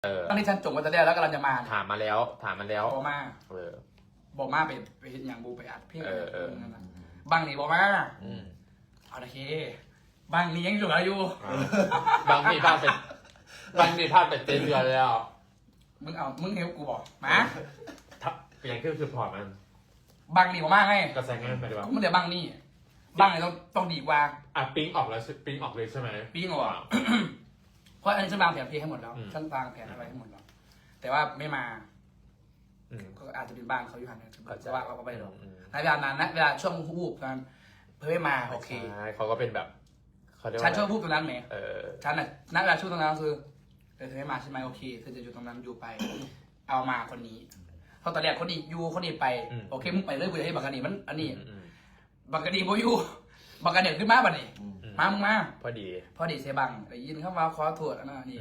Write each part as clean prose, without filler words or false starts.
ตอนนี้ฉันจงไว้แต่แรกแล้วกำลังจะมาถามมาแล้วบอกมา บอกมาไปเห็นอย่างบูไปอัดเพลงนั่นนะบางนี่บอกมาเอาโอเคบางนี่ยังอยู่อยู่บางทีพลาดเป็นเต็มเดือนแล้วมึงเฮลกูบอกมาอย่างคือพอร์ตมันบางนี่บอกมาไงกระแสงานไปดีกว่ามึงเดี๋ยวบางนี่ต้องดีกว่าปิ้งออกแล้วปิ้งออกเลยใช่ไหมปิ้งออกเพราะอันนี้ฉันวางแผนเพลงให้หมดแล้วฉันวางแผนอะไรให้หมดแล้วแต่ว่าไม่มาก็อาจจะเป็นบ้านเขาอยู่ห่างกันแต่ว่าเขาไปหรอกในเวลานั้นนะเวลาช่วงวูบนั้นเพื่อไม่มาโอเคเขาก็เป็นแบบฉันช่วงวูบตรงนั้นไหมฉันน่ะณเวลาช่วงตรงนั้นคือเธอไม่มาใช่ไหมโอเคเธอจะอยู่ตรงนั้นอยู่ไปเอามาคนนี้เพราะตอนแรกคนนี้อยู่คนนี้ไปโอเคมึงไปเรื่อยๆให้บักกะนีมันอันนี้บักกะนีโบอยู่บักกะเดี่ยวขึ้นมาบัดนี้มามึงมาพอดีเซบังได้ยินเข้ามาขอโทษอันนั้นนี่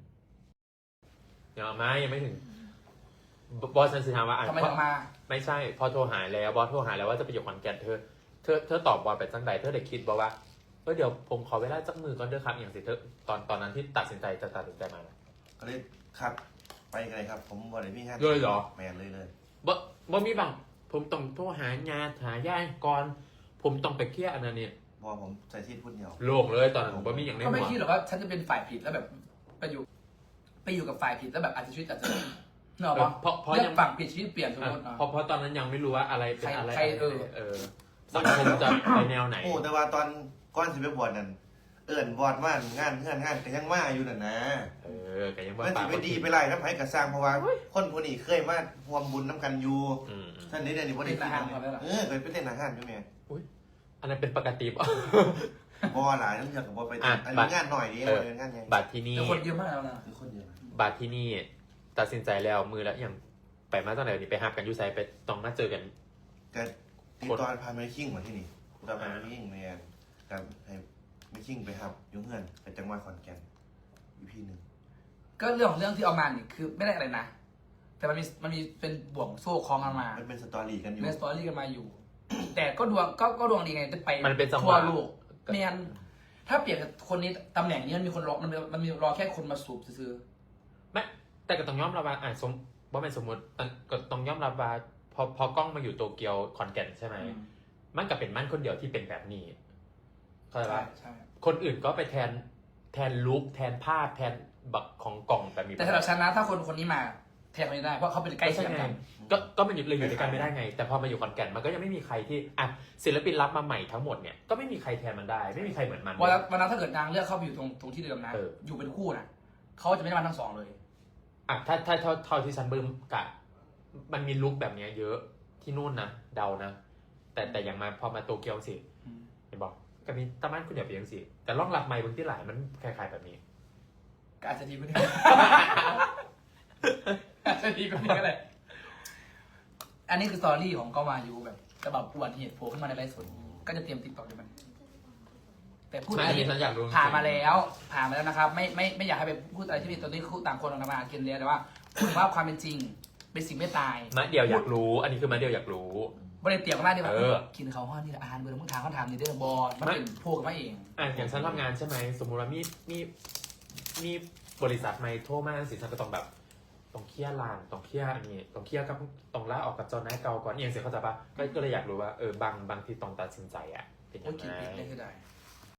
ยังมายังไม่ถึงบอสฉันสิถามว่าทำไมถึงมาไม่ใช่พอโทรหาแล้วบอสโทรหาแล้วว่าจะไปอยู่ขอนแก่นเธอตอบบอสไปจังใดเธอได้คิดบอกว่าเดี๋ยวผมขอเวลาจักมือก่อนเด้อครับอย่างสิเธอตอนนั้นที่ตัดสินใจมาก็เลยครับไปกันเลยครับผมวันไหนพี่งานเลยเหรอแมนเลยบ่มีบังผมต้องโทรหางานหาย่ายก่อนผมต้องไปเคลียร์อันนั้นเนี่ยบอกผมใจที่พูดเดียวโล่งเลยตอนนั้นผมบ่มีอย่างนี้ก็ไม่คิดหรอกว่าฉันจะเป็นฝ่ายผิดแล้วแบบไปอยู่กับฝ่ายผิดแล้วแบบอาจจะชีวิตอาจจะเนอะเพราะยังฝั่งผิดชีวิตเปลี่ยนสมมติเพราะตอนนั้นยังไม่รู้ว่าอะไรเป็นอะไรสังคมจะไปแนวไหนโอ้แต่ว่าตอนก้อนสิไปบวชนั่นบวชว่างานแต่ยังมาอยู่นั่นนะแต่ยังว่ามันสิไปดีไปไรน้ำไผ่กระซังเพราะว่าคนผู้นี้เคยมาห่วมบุญน้ำกันอยู่ท่านนี้เดี๋ยวนี้บ่ได้กินเคยไปเต้นอาหารอยู่แม่อันนั้นเป็นปกติป่ะบ่หลายน้ำอยากกับบ่ไปอันนี้งานหน่อยนี่งานใหญ่บัตรที่นี่คนเยอะมากแล้วนะคนเยอะบัตรที่นี่ตัดสินใจแล้วมือแล้วอย่างไปมาตอนไหนนี่ไปหักกันยูไซไปต้องมาเจอกันแต่ที่ตอนพาไม่คิงมาที่นี่ตอนพาไม่คิงแมนการให้ไม่คิงไปหับยุ่งเงินไปจังหวัดขอนแก่นอีพีหนึ่งก็เรื่องที่เอามาเนี่ยคือไม่ได้อะไรนะแต่มันมีเป็นบ่วงโซ่คล้องกันมามันเป็นสตอรี่กันอยู่เป็นสตอรี่กันมาอยู่แต่ก็ดวงดีไงจะไปมันเป็นจังหวะทั่วโลกแมนถ้าเปลี่ยนกับคนนี้ตำแหน่งนี้มันมีคนรอมันมีรอแค่คนมาสูบซื้อไม่แต่ก็ต้องยอมรับว่าว่าเป็นสมมติก็ต้องยอมรับว่าพอกล้องมาอยู่โตเกียวขอนแก่นใช่ไหมมันก็เป็นมั่นคนเดียวที่เป็นแบบนี้เข้าใจป่ะคนอื่นก็ไปแทนลุคแทนภาพแทนบักของกล่องแบบนี้แต่สำหรับฉันนะถ้าคนนี้มาแทนคนนี้ได้เพราะเขาเป็นใกล้เคียงกันก็มันเลยอยู่ด้วยกันไม่ได้ไงแต่พอมาอยู่ขอนแก่นมันก็ยังไม่มีใครที่ศิลปินรับมาใหม่ทั้งหมดเนี่ยก็ไม่มีใครแทนมันได้ไม่มีใครเหมือนมันวันนั้นถ้าเกิดนางเลือกเข้าไปอยู่ตรงที่เดิมนะอยู่เป็นคู่นะเขาจะไม่ได้มาทั้งสองเลยถ้าเท่าที่ฉันเบิ่มกะมันมีลุคแบบนี้เยอะที่นู่นนะเดานะแต่อย่างมาพอมาโตเกียวสิเห็นบอกก็มีตะมันคุณเดี๋ยวไปยังสิแต่ล่องหลับใหม่บางที่หลายมันคล้ายๆแบบนี้ก็อาจจะดีกว่านี้อาจจะดีกว่านี้ก็ได้อันนี้คือสตอรี่ของก็มาอยู่แบบจะแบบอวดเหตุโผล่ขึ้นมาในไลฟ์สดก็จะเตรียมติ๊กต็อกด้วยมันแต่พูดอันนี้ฉันอยากรู้ผ่านมาแล้วนะครับไม่อยากให้ไปพูดอะไรที่มีตอนนี้คู่ต่างคนต่างมากินเลี้ยแต่ว่าพูดว่าความเป็นจริงเป็นสิ่งไม่ตายมาเดียวอยากรู้อันนี้คือมาเดียวอยากรู้บริเตรียมกันมาดีว่ากินเขาห้องนี่อาหารเบอร์มึงถามเขาถามนี่เด้อบอลมันเป็นพวกกันมาเองอย่างฉันทำงานใช่ไหมสมมุติว่ามีบริษัทไม่โทรมาสิฉันก็ต้องแบบต้องเคลียร์ลานต้องเคลียร์อันนี้ต้องเคลียร์กับต้องลาออกกับเจ้านายเก่าก่อนเองเสียเข้าใจปะก็เลยอยากรู้ว่าบางที่ต้องตัดสินใจเป็นยังไง